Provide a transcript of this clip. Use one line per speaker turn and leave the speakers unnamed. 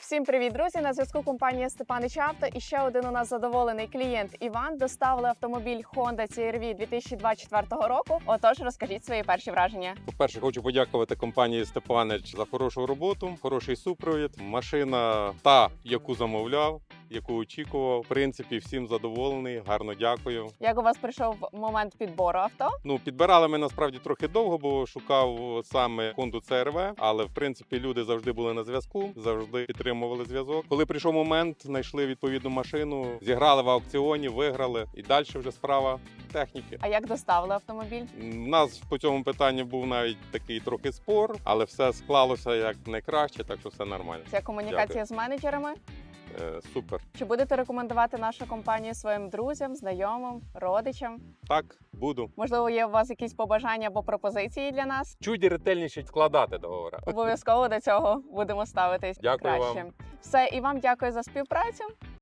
Всім привіт, друзі! На зв'язку компанія Степанич Авто. І ще один у нас задоволений клієнт Іван. Доставили автомобіль Honda CR-V 2024 року. Отож, розкажіть свої перші враження.
По-перше, хочу подякувати компанії Степанич за хорошу роботу, хороший супровід. Машина та, яку замовляв, яку очікував. В принципі, всім задоволений, гарно дякую.
Як у вас прийшов момент підбору авто?
Підбирали ми насправді трохи довго, бо шукав саме Honda CR-V, але в принципі люди завжди були на зв'язку, завжди підтримували зв'язок. Коли прийшов момент, знайшли відповідну машину, зіграли в аукціоні, виграли, і далі вже справа техніки.
А як доставили автомобіль?
У нас по цьому питанню був навіть такий трохи спор, але все склалося як найкраще, так що все нормально.
Це комунікація з менеджерами?
Супер.
Чи будете рекомендувати нашу компанію своїм друзям, знайомим, родичам?
Так, буду.
Можливо, є у вас якісь побажання або пропозиції для нас?
Чуть ретельніше складати договори.
Обов'язково до цього будемо ставитись
Дякую
краще.
вам.
Все, і вам дякую за співпрацю.